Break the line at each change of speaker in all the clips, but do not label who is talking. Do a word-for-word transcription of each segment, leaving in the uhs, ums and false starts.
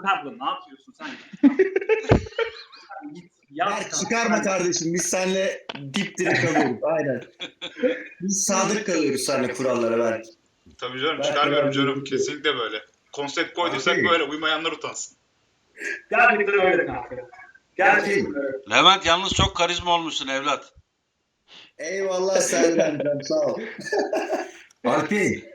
Pablo ne yapıyorsun sen? Git.
Berk çıkarma kardeşim. Biz seninle dipdiri kalıyoruz. Aynen. Biz sadık kalıyoruz seninle kurallara Berk.
Tabii canım
Belki
çıkarmıyorum
ben
canım.
de-
Kesinlikle böyle. Konsept koyduysak
Abi.
böyle. Uymayanlar utansın.
Gerçekten öyle kanka. Gerçekten öyle.
Levent yalnız çok karizma olmuşsun evlat.
Eyvallah Serdar'cığım sağ ol.
Alpi.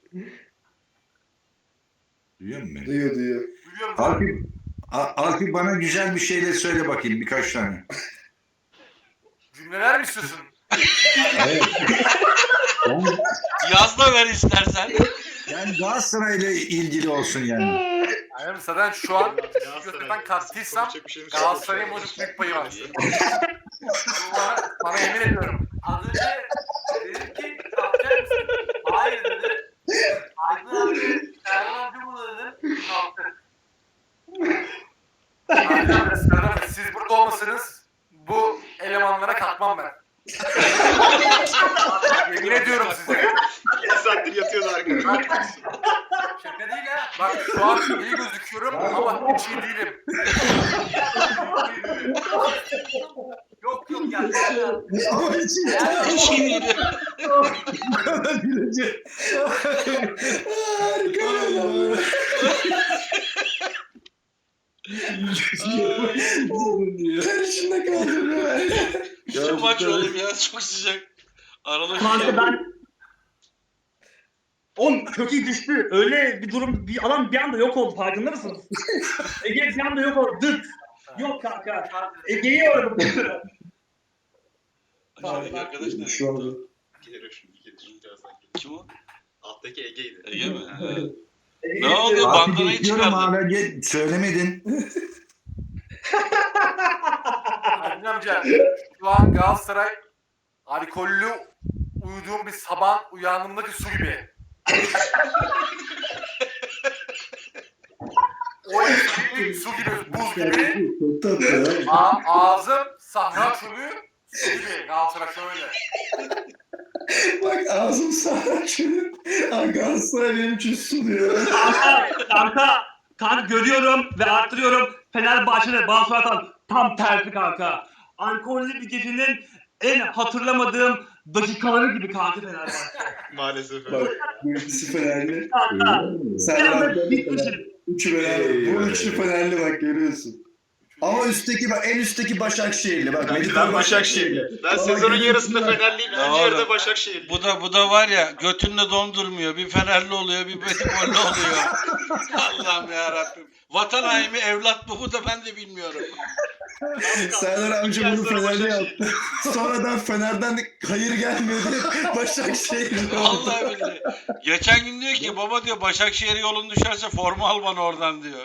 Duyuyor musun beni?
Duyuyor duyuyor.
Duyuyorum.
Alpi, A- Alpi bana güzel bir şeyler söyle bakayım birkaç tane.
Cümleler mi istiyorsun?
Evet. Ben,
Yaz da ver istersen.
ben Galatasaray'la ilgili olsun yani.
Aynen zaten şu an
Galatasaray-
gökten kattıysam
Konuşacak bir şeyimiz yok.
Galatasaray'ın bozuk büyük payı var. Buna, bana emin ediyorum. Az önce dedim ki kalkacak mısın? Hayır dedi. Aydın abi, Serhan amca burada dedi. Kalktı. Aydın abi, Serhan abi, siz burada olmasanız bu elemanlara kalkmam ben. Yemin ediyorum size.
İki saattir yatıyordu arkadaşlar.
Şaka değil ha. Bak şu an iyi gözüküyorum ama hiç iyi değilim. Yok yok ya.
Ama hiç
Hiç iyi değil.
gülecek. Harika ya. Ter içinde kaldım ya.
Şu maç oğlum ya çok sıcak. Aralık.
Kanka ben Oğlum kökü düştü. Öyle bir durum, bir adam bir anda yok oldu. Farkında mısınız? Ege bir anda yok oldu. Dıt. Yok kanka. Ege'yi aradım.
Acaba arkadaş nereye
Şu an
gitti?
Gelir şimdi gelir. Birazdan gelir.
Kim o?
Alttaki Ege'ydi.
Ege mi? Ha.
Ege'yi
Ne oldu?
aradım.
Alpi
Bandanayı
bekliyorum
çıkardın.
hala ge- söylemedin.
Aydın amca şu an Galatasaray alkollü uyuduğum bir sabah uyandığımdaki su gibi. O gibi, su gibi, buz gibi.
Çok tatlı ya.
A- ağzım sahra çölü, su gibi. Galatasaray şöyle.
Bak ağzım sağ şöyle. Galatasaray benim için su diyor.
Kanka, kanka, kanka görüyorum ve arttırıyorum. Fenerbahçe'de bazı atan tam tersi kanka. Alkollü bir gecenin en hatırlamadığım dakikaları gibi kanka Fenerbahçe.
Maalesef.
Bak birisi Fenerli.
Kanka,
Sen
bir anda
Fenerli.
bitmişim.
Üçü Fenerli. Bu üçlü Fenerli bak görüyorsun. Ama üstteki bak en üstteki Başakşehirli bak.
Ben,
Medipol
ben Başakşehirli. Ben sezonun yarısında Fenerliyim.
Ya
İkinci yarıda
oğlum,
Başakşehirli.
Bu da bu da var ya götünle dondurmuyor. Bir Fenerli oluyor, bir Betikolli oluyor. Allah'ım ya Rabbim. Vatan haini evlat mı bu da ben de bilmiyorum.
Serdar amca bunu
İki ay sonra
Fenerli
Başakşehir.
yaptı. Sonradan Fener'den de hayır gelmiyor diye Başakşehirli oldu.
Vallahi billahi. Geçen gün diyor ki baba diyor Başakşehir yolun düşerse forma al bana oradan diyor.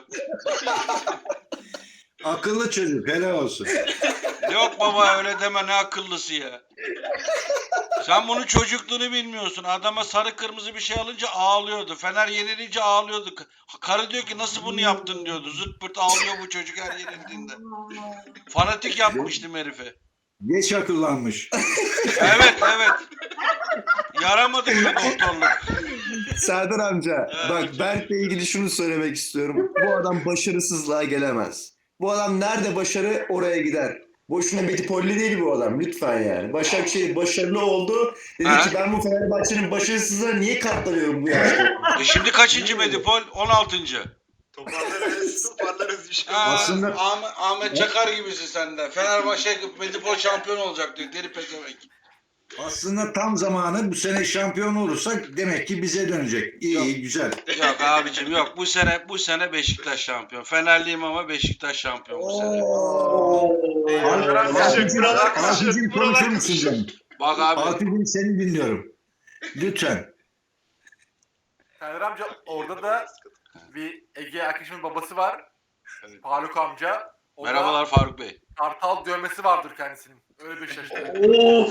Akıllı çocuk helal olsun.
Yok baba öyle deme ne akıllısı ya. Sen bunun çocukluğunu bilmiyorsun. Adama sarı kırmızı bir şey alınca ağlıyordu. Fener yenilince ağlıyordu. Karı diyor ki nasıl bunu yaptın diyordu. Zırt pırt ağlıyor bu çocuk her yenildiğinde. Fanatik yapmıştım herife.
Geç akıllanmış.
Evet evet. Yaramadı bu doktorluk.
Serdar amca
Evet.
bak Berk'le ilgili şunu söylemek istiyorum. Bu adam başarısızlığa gelemez. Bu adam nerede başarı oraya gider. Boşuna Medipolli değil bu adam lütfen yani. Başakşehir başarılı oldu. Dedi
Ha?
ki ben bu Fenerbahçe'nin başarısızlığına niye katlanıyorum bu yaşta?
E şimdi kaçıncı Medipol? on altıncı.
Toparlarız, toparlarız bir şey.
Aa,
Aslında-
Ahmet, Ahmet Çakar gibisin sen de. Fenerbahçe Medipol şampiyon olacak diyor. Deli pezevenk.
Aslında tam zamanı bu sene şampiyon olursak demek ki bize dönecek. İyi iyi güzel.
Yok abicim yok. Bu sene bu sene Beşiktaş şampiyon. Fenerliyim ama Beşiktaş şampiyon bu sene.
Alpicim, buralar
Alpicim
kızışır, buralar
konuşur musun
kızışır.
canım?
Bak abi.
Alpicim seni dinliyorum. Lütfen.
Serdar amca orada da bir Ege arkadaşımın babası var. Faruk amca. O da
Merhabalar Faruk Bey.
Kartal dövmesi vardır kendisinin. Öyle bir şaşırdı.
Oo.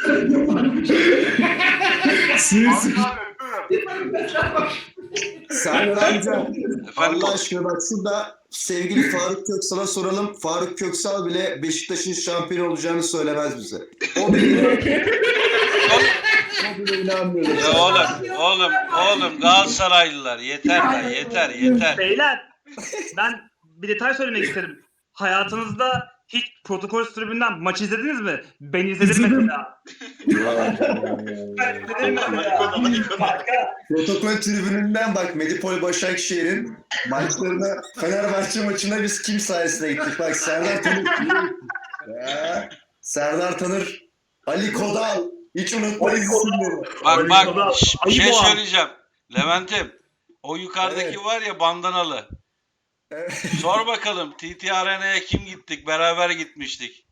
Sinirsiz.
Faruk abi öpüyorum.
Serdar amca
Efendim
Allah aşkına bak şurada sevgili Faruk Köksal'a soralım. Faruk Köksal bile Beşiktaş'ın şampiyon olacağını söylemez bize. O bile o bile inanmıyor.
ya oğlum, oğlum, oğlum Galatasaraylılar yeter lan yeter yeter.
Beyler, Ben bir detay söylemek isterim. Hayatınızda hiç protokol tribünden maç izlediniz mi? Ben izledim
İzledim.
mesela. Ben izledim mesela. Kanka,
Protokol tribününden bak Medipol Başakşehir'in maçlarına Fenerbahçe maçına biz kim sayesinde gittik? Bak Serdar Tanır. Ya, Serdar Tanır, Ali Kodal. Hiç unutmayız isimleri.
Bak
Ayıp
bak şş, bir şey
ayıp o.
söyleyeceğim. Levent'im o yukarıdaki
Evet.
var ya bandanalı.
Evet.
Sor bakalım T T Arena'ya kim gittik? Beraber gitmiştik.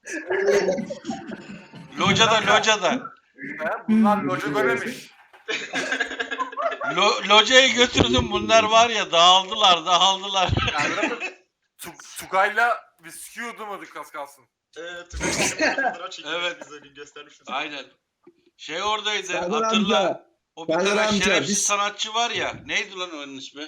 Locada locada.
Ha, Bunlar loca göremiş.
Lo, locaya götürdüm bunlar var ya dağıldılar dağıldılar.
Yani Tu- Tugay'la viski yudumladık az kalsın.
Evet. Fotoğraf çekilmiş
Evet.
bize gün göstermiştim.
Aynen. Şey oradaydı
Serdar
hatırla.
amca.
O bir
Serdar
tane
amca,
şerefsiz
biz-
sanatçı var ya. Neydi lan onun ismi?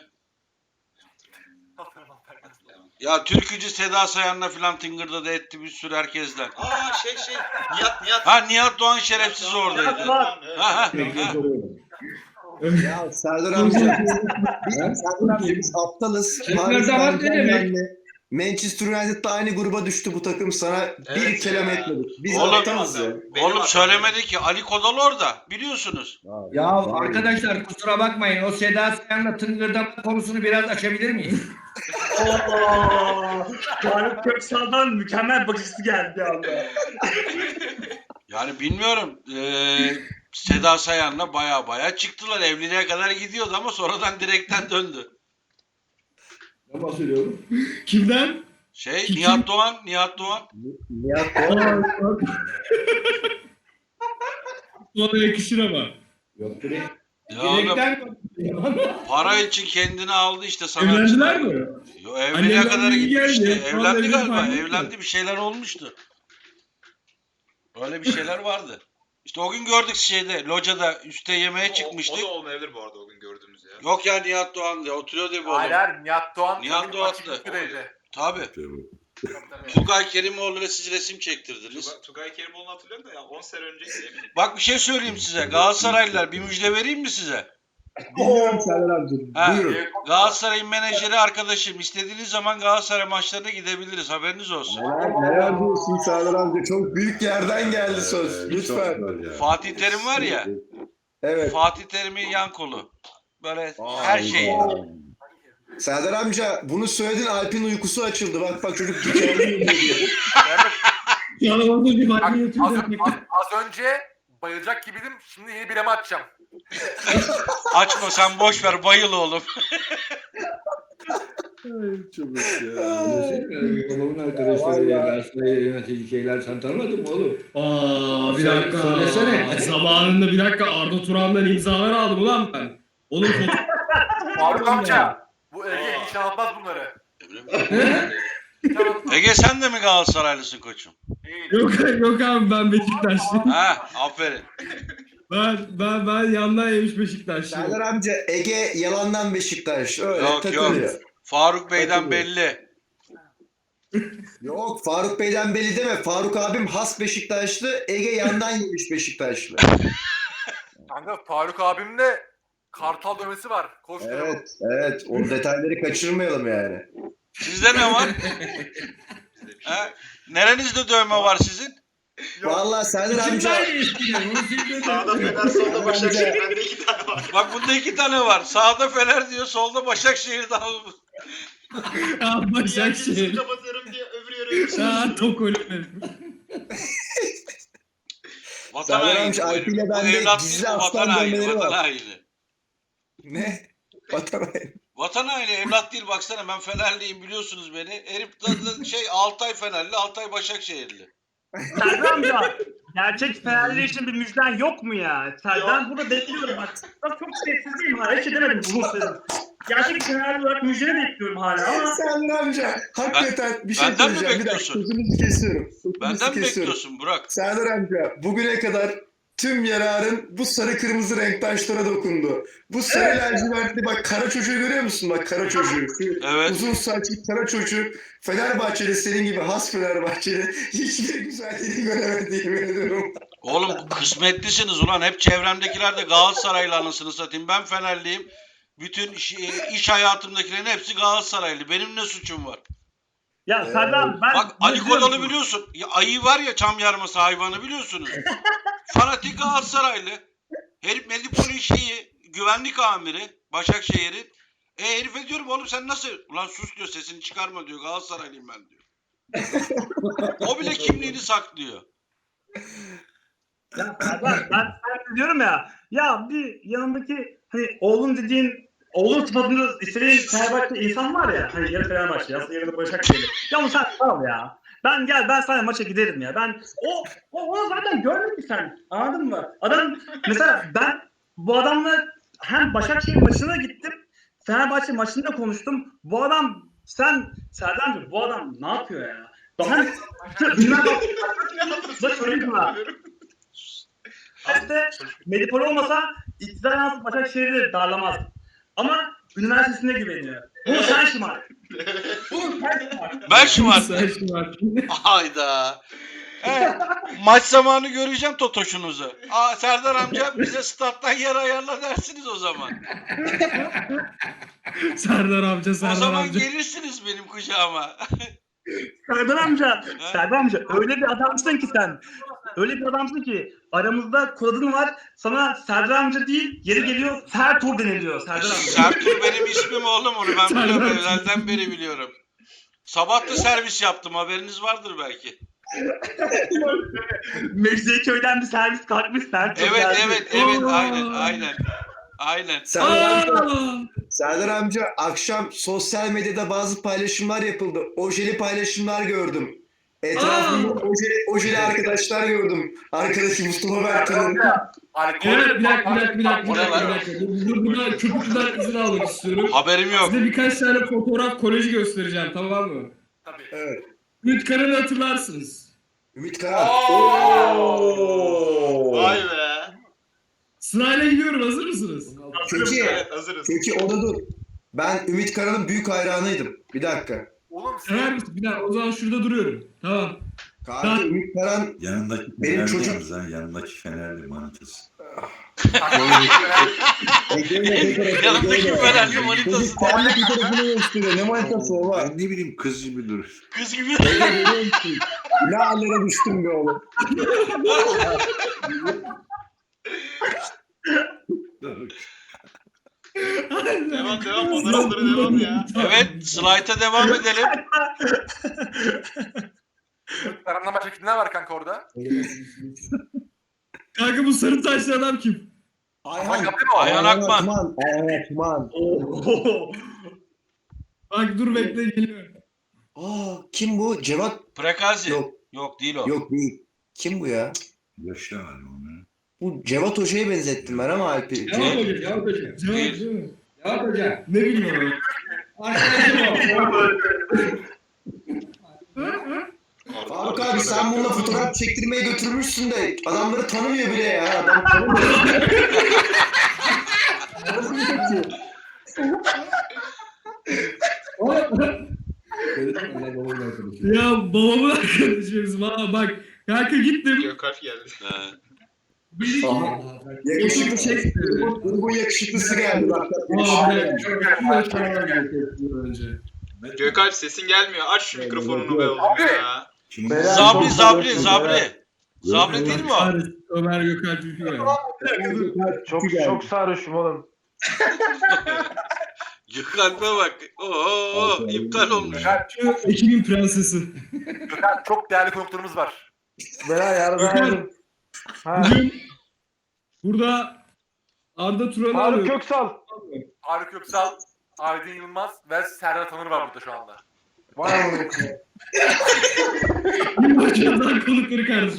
Ya türkücü Seda Sayan'la filan tıngırdadı etti bir sürü herkesten.
Aa şey şey. Nihat Nihat.
Ha Nihat Doğan şerefsiz oradaydı.
Bak.
Evet.
Ha ha. ha.
Ya Serdar amca. Biz, Serdar amca biz aptalız. Paris
zaman ne demek?
Saint-Germain'le Manchester United'da aynı gruba düştü bu takım. Sana bir
Evet
kelam
ya.
etmedik. Biz
Oğlum,
aptalız ya.
Benim
Oğlum
hatam.
söylemedi ki Ali Kodal orada biliyorsunuz.
Ya arkadaşlar kusura bakmayın. O Seda Sayan'la tıngırdama konusunu biraz açabilir miyiz?
ooo. Tarık Köksal'dan mükemmel bakışısı geldi bir anda.
Yani bilmiyorum. Ee, Seda Sayan'la baya baya çıktılar. Evliliğe kadar gidiyordu ama sonradan direkten döndü.
Ne bahsediyorum? Kimden?
Şey
Kim?
Nihat Doğan, Nihat Doğan.
Nihat Doğan.
Ona yakışır ama. Yok bre.
Ya oğlum,
Direkten
para için kendini aldı işte sanatçı.
evlendiler mi?
Yo, evliliğe
Annemden
kadar
bilgi
gitmişti.
geldi.
Evlendi
Vallahi
galiba.
bilmiyorum.
Evlendi bir şeyler olmuştu. Öyle bir şeyler vardı. İşte o gün gördük şeyde locada üste yemeğe
O- O,
çıkmıştık.
da olmayabilir bu arada o gün gördüğümüz ya.
Yok ya Nihat Doğan diye oturuyordu bu
Hayır
oğlum.
hayır Nihat Doğan.
Nihat
tabii
Doğan
açık
da.
üstüdeydi.
Tabii.
Tabii, tabii.
Tugay Kerimoğlu ile siz resim çektirdiniz.
Tugay, Tugay Kerimoğlu'nu hatırlıyorum da ya on sene önce eminim.
Bak bir şey söyleyeyim size. Galatasaraylılar bir müjde vereyim mi size?
Dinliyorum Serdar amca.
Ha.
Buyurun.
Galatasaray'ın menajeri arkadaşım. İstediğiniz zaman Galatasaray maçlarına gidebiliriz. Haberiniz olsun.
Neler, neler diyorsun Serdar amca? Çok büyük yerden geldi söz. Lütfen.
Fatih Terim var ya.
Evet.
Fatih Terim'in yan kolu. Böyle her şeyi.
Serdar amca bunu söyledin Alp'in uykusu açıldı. Bak bak çocuk dikenli diyor.
Yani orada bir
Bak,
halde
az,
yatıyor.
az, az önce bayılacak gibiydim. Şimdi yeni bireme atacağım.
Açma sen boş ver bayıl oğlum.
Babamın arkadaşları ya, Galatasaray'ı yönetici şeyler sen tanımadın mı oğlum?
Aa bir
Söyle-
dakika.
söylesene.
Zamanında bir dakika Arda Turan'dan imzalar aldım ulan ben. Oğlum
Faruk amca. Bu Ege hiç anlatmaz bunları. Hiç anlatmaz.
Ege sen de mi Galatasaraylısın koçum?
Değil.
yok yok abi ben Beşiktaşlıyım.
Ha, aferin.
Ben ben ben yandan yemiş Beşiktaşlıyım.
Serdar amca Ege yalandan Beşiktaş. Öyle
Yok,
takılıyor.
Faruk Bey'den
Takılıyor.
belli.
Yok Faruk Bey'den belli deme. Faruk abim has Beşiktaşlı. Ege yandan yemiş Beşiktaşlı.
Kanka Faruk abimde kartal dövmesi var. Koş
Evet, evet. O detayları kaçırmayalım yani.
Sizde ne var? Ha? Nerenizde dövme var sizin?
Vallahi Serdar amca
Kimden eskiden? Onu sildim.
Sağda Fener solda Başakşehir. Bende iki tane var.
Bak bunda iki tane var. Sağda Fener diyor, solda Başakşehir'de.
Aa
Diğer
Başakşehir.
birisini kapatıyorum diye öbür yere
Aa tok ölüm.
Vatan
Serdar
haini.
amca,
bu
Alp ile
herif. Bu
bende
evlat
gizli
değil, bu
aslan
vatan haini.
dövmeleri
Vatan
var.
haini.
ne? Vatan
Vatan haini evlat değil baksana ben Fenerliyim biliyorsunuz beni. Herif da, da şey Altay Fenerli, Altay Başakşehirli.
Serdar amca, gerçek Fenerli için bir müjden yok mu ya? Ser- Ben burada bekliyorum bak. Bak çok sessizliyim hala. Hiç şey demedim bunu söyledim. Gerçek Fenerli olarak müjdeni bekliyorum hala ama
Serdar amca hakikaten bir şey
benden mi
söyleyeceğim. Bir dakika
bekliyorsun?
sözünüzü kesiyorum. Sözünüzü
Benden mi
kesiyorum.
bekliyorsun Burak?
Serdar amca bugüne kadar tüm yararın bu sarı kırmızı renk taşlara dokundu. Bu sarı lacivertli bak kara çocuğu görüyor musun? Bak kara çocuğu. Şu
Evet.
Uzun saçlı kara çocuk. Fenerbahçeli senin gibi has Fenerbahçeli. Hiçbir güzelliğini göremedi yemin ediyorum.
Oğlum kısmetlisiniz ulan. Hep çevremdekiler de Galatasaraylı anasını satayım. Ben Fenerliyim. Bütün iş, iş hayatımdakilerin hepsi Galatasaraylı. Benim ne suçum var?
Ya Serdar ben...
Bak Ali
biliyorum.
Kodalı biliyorsun. Ya, ayı var ya çam yarması hayvanı biliyorsunuz. Fanatik Galatasaraylı. Herif Medipoli şeyi güvenlik amiri Başakşehir'in. E herife diyorum oğlum sen nasıl? Ulan sus diyor sesini çıkarma diyor. Galatasaraylıyım ben diyor. O bile kimliğini saklıyor.
Ya Serdar ben ben diyorum ya. Ya bir yanındaki hani oğlun dediğin oğlun sıfatında istediğin Fenerbahçe insan var ya. Hani yarı Fenerbahçe, aslında yarı da Başakşehir. Ya onu sen al ya. Ben gel ben sana maça giderim ya. Ben o o onu zaten görmedin ki sen. Anladın mı? Adam mesela ben bu adamla hem Başakşehir maçına gittim. Fenerbahçe maçında konuştum. Bu adam sen Serdar'cığım bu adam ne yapıyor ya? Daha bilmem da söyleyeyim sana. İşte Medipol olmasa iktidar nasıl Başakşehir'i darlamaz. Ama üniversitesine güveniyor. Bunu sen şımar. Bunu sen şımar.
Ben şımar.
Sen şımar.
Hayda. Evet, maç zamanı göreceğim Totoş'unuzu. Aa, Serdar amca bize stat'tan yer ayarla dersiniz o zaman.
Serdar amca,
O
Serdar
zaman
amca.
gelirsiniz benim kucağıma.
Serdar amca, Serdar amca öyle bir adamsın ki sen. Öyle bir adamsın ki aramızda kodun var. Sana Serdar amca değil, yeri geliyor Sertur deniliyor Serdar amca.
Sertur benim ismim oğlum onu ben
Serdar
biliyorum.
amca.
Özelden beri biliyorum. Sabah da servis yaptım haberiniz vardır belki.
Mecidiyeköy'den bir servis kalkmış Sertur.
Evet
geldi.
evet evet
Aa.
aynen aynen. Aynen.
Serdar amca,
Aa!
Serdar amca akşam sosyal medyada bazı paylaşımlar yapıldı. Ojeli paylaşımlar gördüm. Etrafımda ojeli, ojeli arkadaşlar gördüm. Arkadaşım Mustafa Berkan'ın.
Alkol.
Evet bir dakika bir dakika bir dakika.
O
Bir
ne
dakika,
lan?
bir dakika. Dur, Buna köpükten izin almak istiyorum.
Haberim yok.
Size birkaç tane fotoğraf koleji göstereceğim, tamam mı?
Tabii.
Evet.
Ümit Karan'ı hatırlarsınız.
Ümit Karan.
Vay be.
Sırayla gidiyorum, hazır mısınız?
Peki,
Evet hazırız.
peki o da dur. Ben Ümit Karan'ın büyük hayranıydım. Bir dakika.
Oğlum
Sever
sen
misin? Bir dakika, o zaman şurada duruyorum. Tamam.
Kanka Ümit Karan
Yanındaki
Benim
Fenerli
çocuk-
yalnız ha, yanındaki Fenerli manitası.
Yanındaki Fenerli manitası.
Çocuk kendi fotoğrafını gösteriyor. Ne manitası o var?
Ben ne bileyim kız gibi dur.
Kız gibi.
Ne hallere düştüm be oğlum.
Devam devam fotoğraflara devam ya.
Evet slayta devam edelim.
Karan'dan başka kimler var kanka orada?
Kanka bu sarı taşlı adam kim?
Ayhan.
Kapı mı o?
Ayhan Akman.
Akman. Ayhan Akman.
Oo.
Bak dur bekle, geliyor.
Aa, kim bu? Cevat?
Prekazi. Yok.
Yok.
değil o.
Yok değil. Kim bu ya?
Yaşlı var onu.
Bu Cevat Hoca'ya benzettim ben ama Alp'i.
Cevap
Ce-
Hoca, Cevap Hoca. Cevap
Değil.
değil mi? Cevap Hoca. Ne bileyim o. Arkadaşım o.
Faruk abi sen bununla fotoğraf çektirmeye götürmüşsün de adamları tanımıyor bile ya. Adam tanımıyor. Nasıl bir tepki?
Ya babamın arkadaşı bizim. Ha bak. Kanka gittim.
Gökalp geldi.
He.
Dedi ki.
Aha. Yakışıklı şey. Grubun, grubun yakışıklısı geldi. Bak, bak,
Aa,
yakışıklı.
bir önce.
Gökalp sesin gelmiyor. Aç şu mikrofonunu be oğlum ya.
Kim?
Zabri Zabri Zabri. Zabri değil mi o?
Ömer Gökalp Ülkü ya.
Çok çok sarhoşum oğlum.
Gökalp'e bak. Oo iptal olmuş.
Ekibin prensesi.
Gökhan, çok değerli konuklarımız var.
Gökhan. Bugün burada Arda Turan'ı arıyor.
Köksal.
Faruk Köksal, Aydın Yılmaz ve Serdar Tanır var burada şu anda.
Vay amına.
Yılbaşı'ndan konukları kardeşim.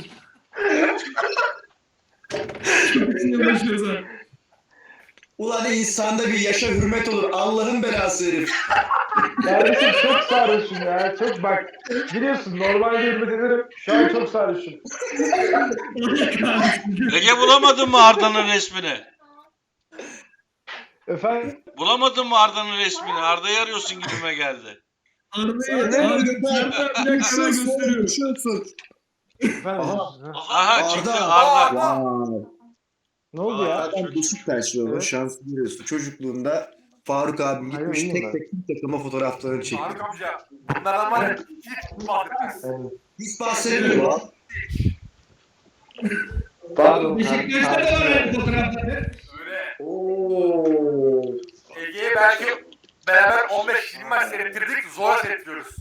Çok için yılbaşı özel.
Ulan insanda bir yaşa hürmet olur. Allah'ın belası herif.
Kardeşim çok sarhoşum ya. Çok bak. Biliyorsun normalde hürmet ederim. Şu an çok sarhoşum.
Ege bulamadın mı Arda'nın resmini?
Efendim?
Bulamadın mı Arda'nın resmini? Arda'yı arıyorsun gibime geldi.
Arda'yı Arda bir dakika ben gösteriyorum.
Uçuyorsun.
Efendim?
Aha.
Aha çıktı
Arda.
Arda.
Vay.
Ne oldu ya?
Adam Beşiktaşlı olur.
Evet.
Şansı biliyorsun. Çocukluğunda Faruk abi
Hayır,
gitmiş
iyiyim
tek
ben.
tek tüm takıma fotoğraflarını çekmiş.
Faruk amca bunlardan var ya hiç bahsetmez.
Evet.
Hiç bahsetmiyor.
Pardon.
Beşiktaş'ta da var öyle fotoğrafları.
Öyle.
Oo.
Ege'ye belki beraber on beş yirmi maç seyrettirdik zor seyrettiriyoruz.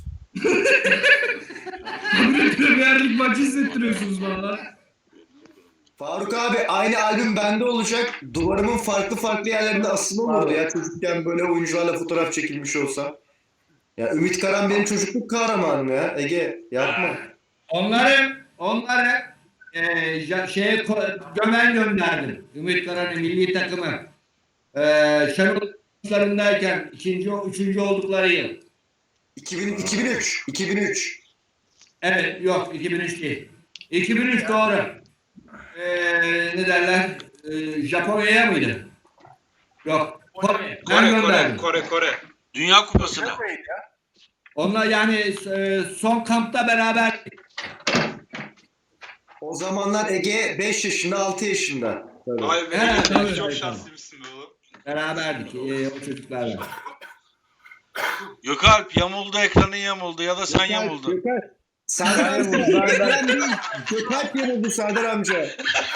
Premierlik maçı hissettiriyorsunuz valla.
Faruk abi aynı albüm bende olacak. Duvarımın farklı farklı yerlerinde asılı olurdu ya çocukken böyle oyuncularla fotoğraf çekilmiş olsa. Ya Ümit Karan benim çocukluk kahramanım ya. Ege yapma.
Onları, onları e, ja- şeye ko- gömen gönderdim. Ümit Karan'ın milli takımı. E, Şenol maçlarındayken ikinci, üçüncü oldukları yıl.
iki bin, iki bin üç. iki bin üç.
Evet, yok iki bin üç değil. iki bin üç doğru. E, ne derler? E, Japonya'ya mıydı? Yok. Kore. Ben
Kore Kore
gönderdim.
Kore Kore.
Dünya Kupası'na.
Çok iyiydi ya.
Onlar yani e, son kampta beraber
O zamanlar Ege beş yaşında altı yaşında. Tabii.
Vay be.
Evet, tabii,
Çok
tabii.
şanslıymışsın be oğlum.
beraberdik e, o çocuklarla.
Gökalp yamuldu, ekranın yamuldu ya da sen yamuldun.
Gökalp. Serdar amca. Ekran değil. Gökalp yamuldu Serdar amca.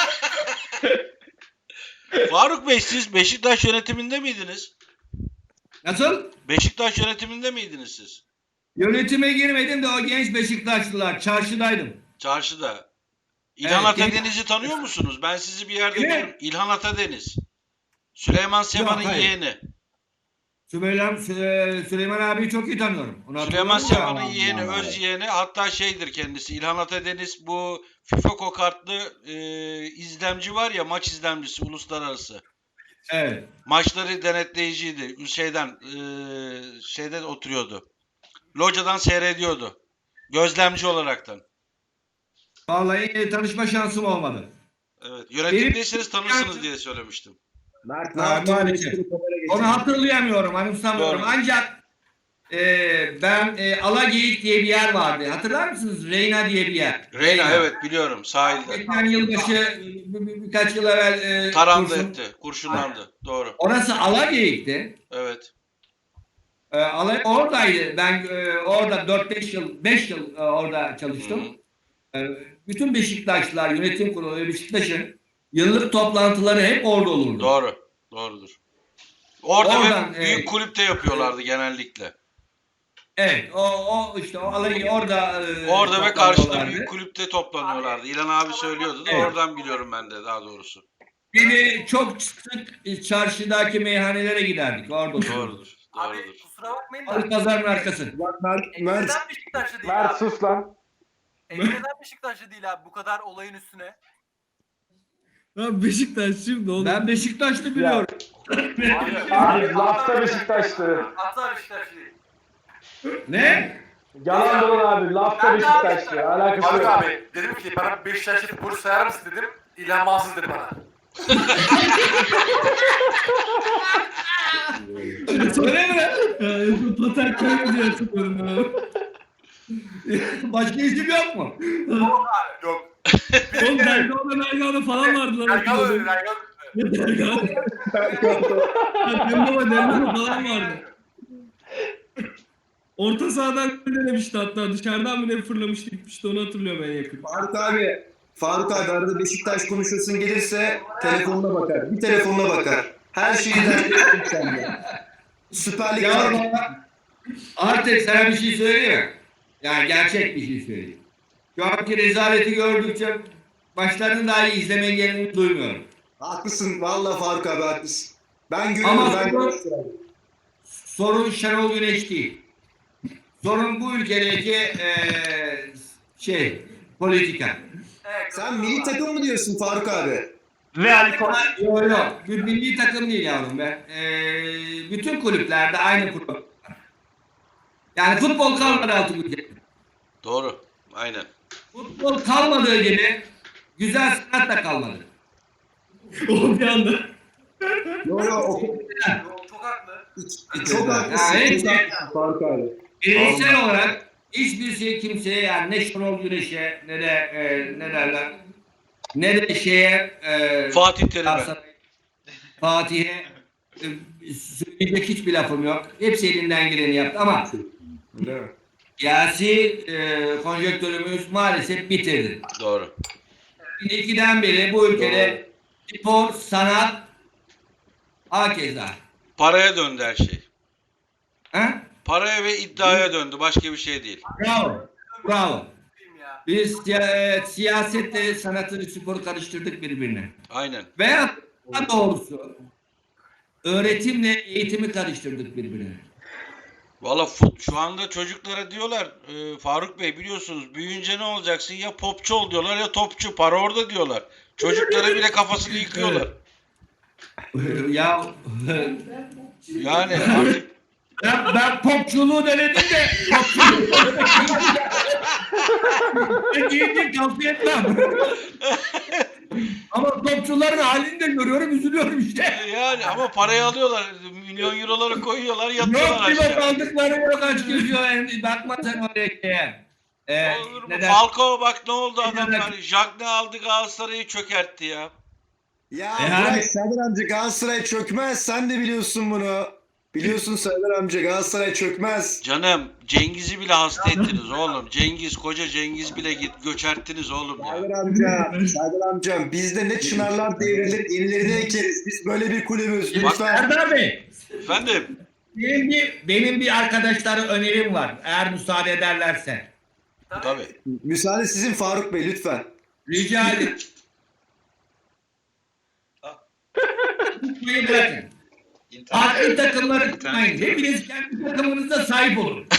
Faruk Bey siz Beşiktaş yönetiminde miydiniz?
Nasıl?
Beşiktaş yönetiminde miydiniz siz?
Yönetime girmedim de o genç Beşiktaşlılar. Çarşıdaydım.
Çarşıda. İlhan
Evet,
Atadeniz'i tanıyor musunuz? Ben sizi bir yerde
Kimi?
gördüm. İlhan Atadeniz. Süleyman Seba'nın
hayır.
yeğeni.
Süleyman, Sü- Süleyman abiyi çok iyi tanıyorum. Onu
Süleyman
hatırlıyorum
Seba'nın
ya.
yeğeni, öz yeğeni. Hatta şeydir kendisi. İlhan Atadeniz bu FIFA kokartlı e, izlemci var ya, maç izlemcisi uluslararası.
Evet.
Maçları denetleyiciydi. Şeyden e, şeyde oturuyordu. Locadan seyrediyordu. Gözlemci olaraktan.
Vallahi e, tanışma şansım olmadı.
Evet. Yönetimdeyseniz tanırsınız diye söylemiştim.
Mert ne
Ha,
yaptın?
maalesef.
Kamera geçirdi.
Onu hatırlayamıyorum, anımsamıyorum.
Doğru.
Ancak e, ben e, Alageyik diye bir yer vardı. Hatırlar mısınız? Reyna diye bir yer.
Reyna evet biliyorum sahilde.
Geçen yılbaşı bir, bir- birkaç yıl evvel e,
Tarandı
kurşun-
etti. Kurşunlandı. Doğru.
Orası Alageyik'ti.
Evet.
E, Ala- oradaydı. Ben e, orada dört beş yıl, beş yıl e, orada çalıştım. E, bütün Beşiktaşlılar, yönetim kurulu ve Beşiktaş'ın yıllık toplantıları hep orada olurdu.
Doğru. Doğrudur. Orada
Oradan,
ve büyük
e,
kulüpte yapıyorlardı genellikle.
Evet, o, o işte o alayı orada e,
Orada ve karşıda
toplanıyorlardı.
büyük kulüpte toplanıyorlardı. İlhan abi söylüyordu da
Evet.
oradan biliyorum ben de daha doğrusu.
Beni çok sık çarşıdaki meyhanelere giderdik. Orada otururduk.
Doğrudur.
Abi
Doğrudur.
kusura bakmayın
Alı
da.
pazarın arkası.
Bak Mert,
Ege
Mert.
neden Beşiktaşlı değil
Mert
abi?
sus lan.
Ege neden Beşiktaşlı değil abi bu kadar olayın üstüne?
Ya Beşiktaşçıyım da oğlum.
Ben Beşiktaşlı biliyorum.
Abi,
Abi lafta Beşiktaşlı.
Asla Beşiktaşlı değil.
Ne?
Yalan dolan abi. Lafta
Ben de abi
Beşiktaşlı.
Beşiktaşlı.
Alakası
Faruk
yok.
abi dedim ki bana Beşiktaşlı futbolcu sayar mısın dedim. İlhan Mansız dedi bana.
Söyle mi?
Ya en son Tatar Kaya diye hatırlıyorum ben abi.
Başka isim yok mu?
Yok abi yok.
Oğlum Dergah'da Mergah'da falan vardı lan.
Erkan öyle
hatırladım.
Erkan.
Ya Dergah. Dembaba Dembaba falan vardı. Orta sahadan gol denemişti hatta. Dışarıdan mı ne fırlamıştı gitmişti onu hatırlıyorum en yakın.
Faruk abi. Faruk abi arada Beşiktaş konuşuyorsun gelirse telefonuna bakar. Bir telefonuna bakar. Her şeyi dertleştim sende. Süper Lig
Ya
var.
bana- artık sana bir şey söyleyeyim mi? Yani gerçek bir şey söyleyeyim. Şu anki rezaleti gördükçe başlarını daha iyi izlemeyi geleni duymuyorum.
Haklısın. Vallahi Faruk abi haklısın. Ben görüyorum.
Ama
ben
bu-
görüyorum.
Sorun Şenol Güneş değil. Sorun bu ülkedeki eee şey, politika.
Evet,
Sen milli takım mı diyorsun Faruk abi?
Real Koç.
Yok yok, bir milli takım değil yavrum be. Eee bütün kulüplerde aynı problem. Yani futbol kalmadı altı ülkede.
Doğru. Aynen.
Futbol kalmadığı gibi güzel sanat da kalmadı.
O bir anda.
Yok yok. o-
Çok, çok haklı.
Çok haklısın.
Ya,
Çok haklısın Faruk abi.
Bireysel olarak hiçbir şey kimseye yani ne Şenol Güneş'e ne de e, ne derler ne de şeye e,
Fatih Terim'e.
Galatasaray, Fatih'e e, söyleyecek hiçbir lafım yok. Hepsi elinden geleni yaptı ama
Değil mi?
siyasi e, konjonktürümüz maalesef bitirdi.
Doğru.
iki bin ikiden beri bu ülkede spor, sanat, hakeza.
Paraya döndü her şey.
Ha?
Paraya ve iddiaya döndü. Başka bir şey değil.
Bravo. Bravo.
Diyeyim ya.
Biz siya- e, siyasetle sanatı, sporu karıştırdık birbirine.
Aynen.
Veya daha doğrusu öğretimle eğitimi karıştırdık birbirine.
Valla fut- şu anda çocuklara diyorlar e, Faruk Bey biliyorsunuz büyüyünce ne olacaksın ya popçu ol diyorlar ya topçu para orada diyorlar. Çocuklara bile kafasını yıkıyorlar.
Ya
Yani artık
ben, ben popçuluğu denedim de popçuluğu ben giyince tavsiye etmem. Ama topçuların halini de görüyorum, üzülüyorum işte.
yani ama parayı alıyorlar. Milyon euroları koyuyorlar
Yok
yatıyorlar
pilot
aşağı.
aldıkları yok aç geziyor. Yani bakma sen oraya. Ee,
Olur mu?
neden?
Falcao bak ne oldu
Neden?
adamlar. Jagne aldı Galatasaray'ı çökertti ya.
Ya
E
bırak
hani-
Serdar amca Galatasaray çökmez. Sen de biliyorsun bunu. Biliyorsun Serdar amca Galatasaray çökmez.
Canım Cengiz'i bile hasta ettiniz oğlum. Cengiz koca Cengiz bile git göçerttiniz oğlum ya.
Serdar amca, Serdar amcam bizde ne çınarlar devrilir, yenilerini ekeriz. Biz böyle bir kulübüz. Lütfen.
Serdar Bey,
Efendim
benim bir, benim bir arkadaşlara önerim var. Eğer müsaade ederlerse.
tabii.
Müsaade sizin Faruk Bey lütfen.
Rica ederim. Tutmayı bırakın. Farklı takımları tutmayın. Hepiniz kendi takımınıza sahip olun.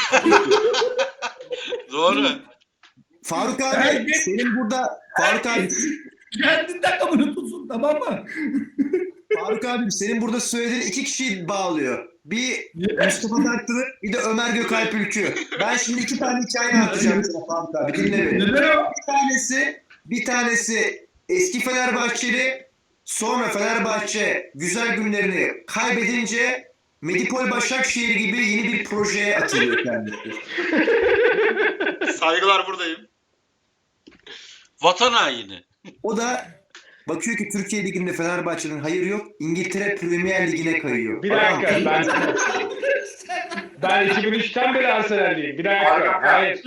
Doğru.
Faruk abi
Herkes-
senin burada Faruk abi
Kendi takımını tutsun, tamam mı?
Faruk abim senin burada söylediğin iki kişiyi bağlıyor. Bir Mustafa Taktırı bir de Ömer Gökalp Ülkü. Ben şimdi iki tane hikaye anlatacağım sana Faruk abi. Dinle beni.
Neden o?
Bir tanesi, bir tanesi eski Fenerbahçeli, sonra Fenerbahçe güzel günlerini kaybedince Medipol Başakşehir gibi yeni bir projeye atılıyor kendisi.
Saygılar buradayım.
Vatan haini.
O da bakıyor ki Türkiye Ligi'nde Fenerbahçe'nin hayır yok, İngiltere Premier Ligi'ne kayıyor.
Bir dakika ben ben iki bin üçten beri Arsenal'liyim. Bir dakika. Hayır.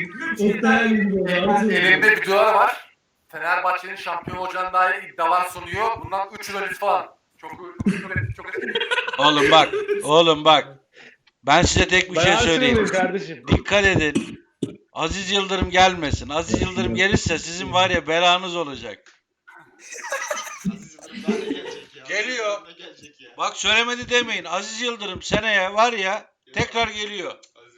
Elimde videolar var. Fenerbahçe'nin şampiyon olacağına dair iddialar sunuyor. Bundan üç yıl öncesi falan. Çok çok çok
Oğlum bak. Oğlum bak. Ben size tek bir
Ben
şey
Arsenal'liyim
söyleyeyim.
kardeşim.
Dikkat edin. Aziz Yıldırım gelmesin. Aziz Yıldırım gelirse sizin var ya belanız olacak. Geliyor. Bak söylemedi demeyin. Aziz Yıldırım seneye var ya tekrar geliyor.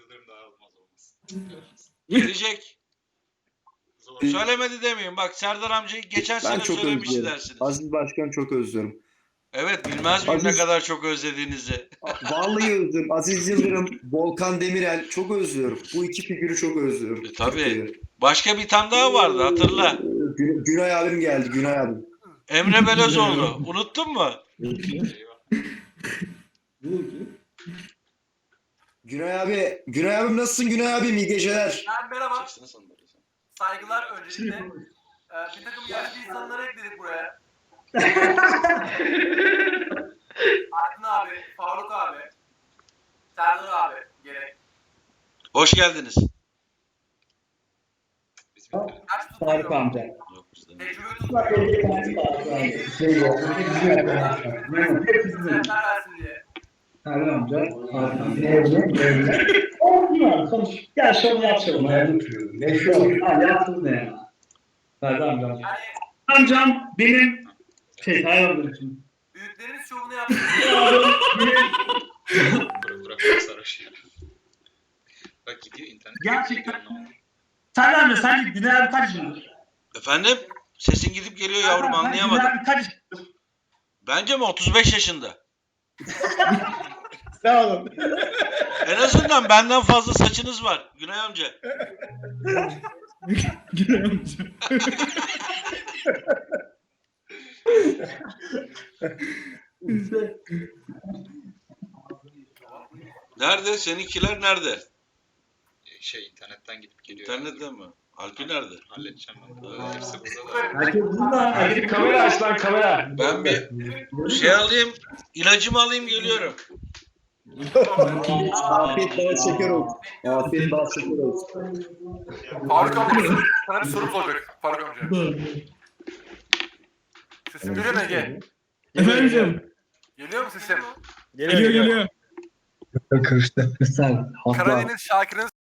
Gelecek. Söylemedi demeyin. Bak Serdar amcayı geçen
Ben
sene
çok
söylemiş
özlüyorum.
dersiniz.
Aziz Başkan çok özlüyorum.
Evet bilmez miyim ne
Aziz-
kadar çok özlediğinizi.
Vallahi özlüyorum. Aziz Yıldırım, Volkan Demirel çok özlüyorum. Bu iki figürü çok özlüyorum.
E, tabii. Başka bir tane daha vardı hatırla.
Gün, Günay abim geldi, Günay abim.
Emre Belözoğlu. Unuttun mu?
Günay abi, Günay abim nasılsın Günay abim? İyi geceler.
Ben merhaba. Saygılar öncelikle. Ee, bir takım yaşlı insanları ekledik buraya. Aydın abi, Faruk abi, Serdar abi gerek.
Hoş geldiniz.
Kaç tutuyor?
amca.
Yok bizde.
Tecrübe tutuyor. Serdar versin diye.
amca. Olmuyor. Sonuç. Ya şunu yapalım. Ne şu? Ha yaptın ne ya? Serdar amca.
Yani
Amcam benim şey hayvanlar için.
büyüklerimiz şovunu yaptı.
Bırak bırak sarhoş ya. Bak gidiyor internet.
Gerçekten. Serdar amca sence Güney abi kaç yıldır?
Efendim? Sesin gidip geliyor yavrum anlayamadım.
Güney abi kaç yıldır?
Bence mi otuz beş yaşında?
Sağ olun.
En azından benden fazla saçınız var Günay amca.
Güney amca.
Nerede? Seninkiler nerede?
şey internetten gidip geliyor.
İnternette mi? Alpi nerede?
Halledeceğim ben. Ee, Hepsi burada da.
Herkes burada.
Hadi kamera aç lan kamera.
Ben bir şey alayım, ilacımı alayım geliyorum.
Afiyet bal şeker olsun. Afiyet bal şeker olsun.
Faruk amca sana bir sorum olacak Faruk amca. Sesim geliyor mu Ege?
Efendim?
Geliyor mu sesim?
Geliyor geliyor.
Kırıştı. Sen.
Karadeniz Şakir'in